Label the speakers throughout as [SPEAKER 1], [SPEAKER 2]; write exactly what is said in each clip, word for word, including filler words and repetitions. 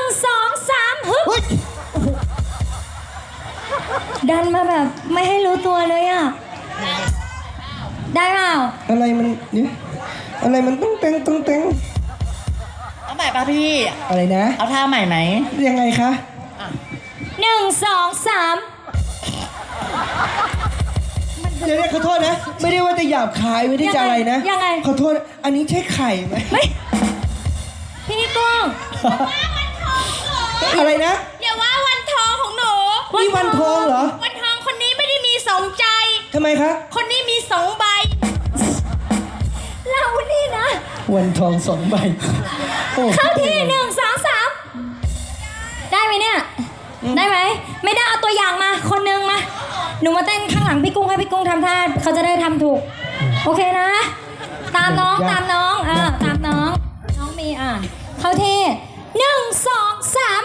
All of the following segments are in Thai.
[SPEAKER 1] สองสามฮึบดันมาแบบไม่ให้รู้ตัวเลยอ่ะได้เปล่า
[SPEAKER 2] อะไรมันเนี่ยอะไรมันต้องเต็งต้องเต็ง
[SPEAKER 3] เอาใหม่ป่ะพี่
[SPEAKER 2] อะไรนะ
[SPEAKER 3] เอาท่าใหม่ไหม
[SPEAKER 2] ยังไงคะ
[SPEAKER 1] หนึ่งสองสาม
[SPEAKER 2] เดี๋ยวขอโทษนะไม่ได้ว่าจะหยาบคายไม่ได้จะอะไรนะ
[SPEAKER 1] ยังไง
[SPEAKER 2] ขอโทษอันนี้ใช่ไข่ไหม
[SPEAKER 1] ไม่พี่กุ้ง
[SPEAKER 2] อะไรนะ
[SPEAKER 1] อย่าว่าวันทองของหนู
[SPEAKER 2] นี่วันทองเหรอ
[SPEAKER 1] วันทองคนนี้ไม่ได้มีสองใจ
[SPEAKER 2] ทำไมคะ
[SPEAKER 1] คนนี้มีสองใบเรานี่นะ
[SPEAKER 2] วันทองสองใบ
[SPEAKER 1] เข้าที่หนึ่งสองสามได้ไหมเนี่ยได้ไหมไม่ได้เอาตัวอย่างมาคนนึงมาหนูมาเต้นข้างหลังพี่กุ้งให้พี่กุ้งทำท่าเขาจะได้ทำถูกโอเคนะตามน้องตามน้องเออตามน้องน้องมีอ่ะเข้าที่หนึ่งสองสาม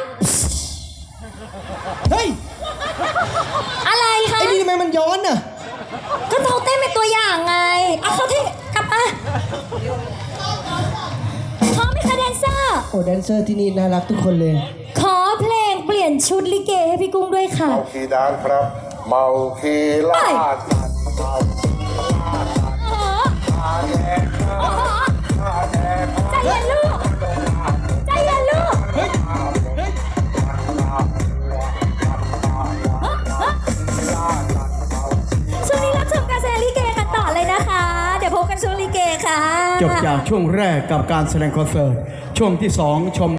[SPEAKER 2] เฮ้ย
[SPEAKER 1] อะไรคะ
[SPEAKER 2] ไอ้นี่ทำไมมันย้อนน่ะ
[SPEAKER 1] ก็เราเต้นเป็นตัวอย่างไงเอาเข้าที่กลับมาพร้อมไหมคะแดนเซอร์
[SPEAKER 2] โอ้แดนเซอร์ที่นี่น่ารักทุกคนเลย
[SPEAKER 1] ขอเพลงเปลี่ยนชุดลิเกให้พี่กุ้งด้วยค่ะ
[SPEAKER 4] เมาคีดานครับเมาคีลาดเมา
[SPEAKER 1] ใจเย็นลูกใจเย็นลูกช่วงนี้รับชมการแสดงลิเกกันต่อเลยนะคะเดี๋ยวพบกันช่วงลิเกค่ะ
[SPEAKER 5] จบจากช่วงแรกกับการแสดงคอนเสิร์ตช่วงที่สองชม